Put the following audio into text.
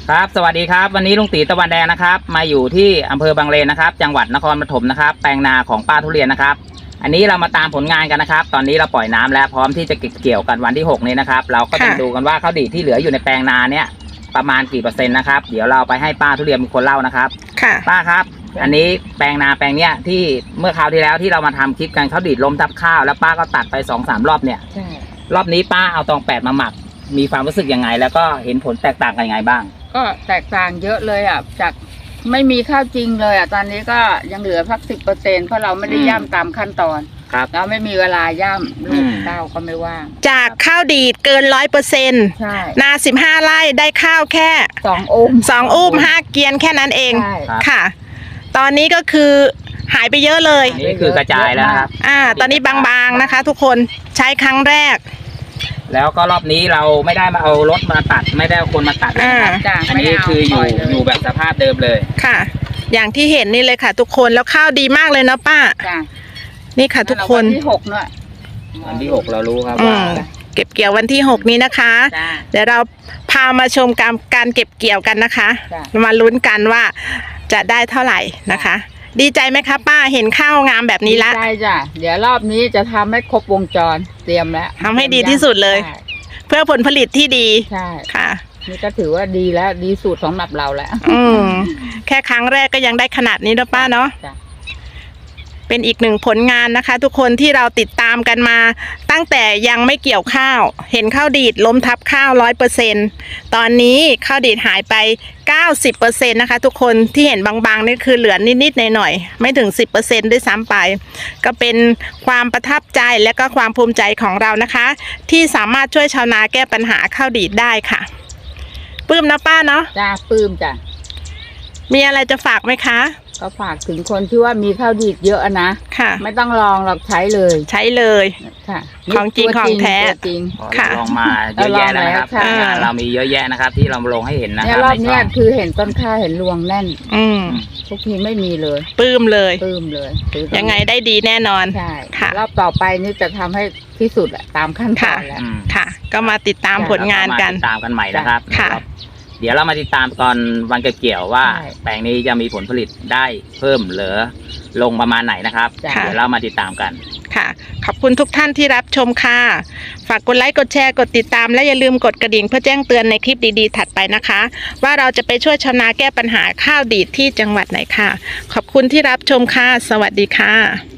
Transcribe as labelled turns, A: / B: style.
A: ครับสวัสดีครับวันนี้ลุงตีตะวันแดงนะครับมาอยู่ที่อำเภอบางเลนนะครับจังหวัดนครปฐมนะครับแปลงนาของป้าทุเรียนนะครับอันนี้เรามาตามผลงานกันนะครับตอนนี้เราปล่อยน้ำแล้วพร้อมที่จะเก็บเกี่ยวกันวันที่6นี้นะครับเราก็จะดูกันว่าข้าวดีที่เหลืออยู่ในแปลงนาเนี่ยประมาณกี่เปอร์เซ็นต์นะครับเดี๋ยวเราไปให้ป้าทุเรียนเป็นคนเล่านะครับ
B: ค่ะ
A: ป้าครับอันนี้แปลงนาแปลงเนี้ยที่เมื่อคราวที่แล้วที่เรามาทำคลิปกันข้าวดีล้มทับข้าวแล้วป้าก็ตัดไป2-3 รอบเนี่ยรอบนี้ป้าเอาตอง8มาหมักมีความรู้สึกยังไงแล้วก็เห็นผลแตกต่างกันยังไงบ้าง
C: ก็แตกต่างเยอะเลยอ่ะจากไม่มีข้าวจริงเลยอ่ะตอนนี้ก็ยังเหลือพัก10%เพราะเราไม่ได้ย่ำตามขั้นตอน
A: ครับ
C: เราไม่มีเวลาย่ำลูกเต้าก็ไม่ว่าง
B: จากข้าวดีดเกิน100%
C: ใช่
B: นา15 ไร่ได้ข้าวแค่
C: 2 อุ้ม
B: 5 เกียนแค่นั้นเอง
C: ใช่
B: ค่ะ ตอนนี้ก็คือหายไปเยอะเลย
A: นี่คือกระจายแล้วครับ
B: ตอนนี้บางๆนะคะ ทุกคนใช้ครั้งแรก
A: แล้วก็รอบนี้เราไม่ได้มาเอารถมาตัดไม่ได้เอาคนมาตัดอันนี้คืออยู่แบบสภาพเดิมเลย
B: ค่ะอย่างที่เห็นนี่เลยค่ะ ทุกคนแล้วข้าวดีมากเลยเนาะป้านี่ค่ะทุกคน
C: วันที่6เนอะ
A: วันที่6เรารู้ครับว่า
B: เก็บเกี่ยววันที่6นี้นะคะเดี๋ยวเราพามาชมการเก็บเกี่ยวกันนะคะมาลุ้นกันว่าจะได้เท่าไหร่นะคะดีใจไหมคะป้าเห็นข้าวงามแบบนี้ละ
C: ดีใจจ้ะเดี๋ยวรอบนี้จะทำให้ครบวงจรเตรียมแล้ว
B: ทำให้ดีที่สุดเลยเพื่อผลผลิตที่ดี
C: ใช่
B: ค่ะ
C: นี่ก็ถือว่าดีแล้วดีสุดสำหรับเราแล้ว
B: แค่ครั้งแรกก็ยังได้ขนาดนี้แล้วป้าเนาะเป็นอีกหนึ่งผลงานนะคะ ทุกคนที่เราติดตามกันมาตั้งแต่ยังไม่เกี่ยวข้าวเห็นข้าวดีดล้มทับข้าว100%ตอนนี้ข้าวดีดหายไป90%นะคะทุกคนที่เห็นบางๆนี่คือเหลือนิดๆหน่อยๆไม่ถึง10%ด้วยซ้ำไปก็เป็นความประทับใจและก็ความภูมิใจของเรานะคะที่สามารถช่วยชาวนาแก้ปัญหาข้าวดีดได้ค่ะปลื้มนะป้าเนาะ
C: จ้าปลื้มจ้ะ
B: มีอะไรจะฝากไหมคะ
C: ก็ฝากถึงคนที่ว่ามีข้าวดีดเยอะนะ
B: ค่ะ
C: ไม่ต้องลองหรอกใช้เลย
B: ค่ะของจริงของแท้
C: จริง
A: ค่ะลองมาเยอะแยะนะครับเรามีเยอะแยะนะครับที่เราลงให้เห็นนะครับ
C: รอบนี้คือเห็นต้นข้าวเห็นรวงแน่นทุกทีไม่มีเลย
B: ปลื้มเลย
C: ยั
B: งไงได้ดีแน่นอน
C: ใช่ค่ะรอบต่อไปนี่จะทำให้ที่สุดตามขั้นตอนแล้ว
B: ค่ะก็มาติดตามผลงานกัน
A: ตามกันใหม่นะครับ
B: ค่ะ
A: เดี๋ยวเรามาติดตามตอนวันเก็บเกี่ยวว่าแปลงนี้จะมีผลผลิตได้เพิ่มหรือลงประมาณไหนนะครับเดี๋ยวเรามาติดตามกัน
B: ค่ะขอบคุณทุกท่านที่รับชมค่ะฝากกดไลค์กดแชร์กดติดตามและอย่าลืมกดกระดิ่งเพื่อแจ้งเตือนในคลิปดีๆถัดไปนะคะว่าเราจะไปช่วยชาวนาแก้ปัญหาข้าวดีดที่จังหวัดไหนค่ะขอบคุณที่รับชมค่ะสวัสดีค่ะ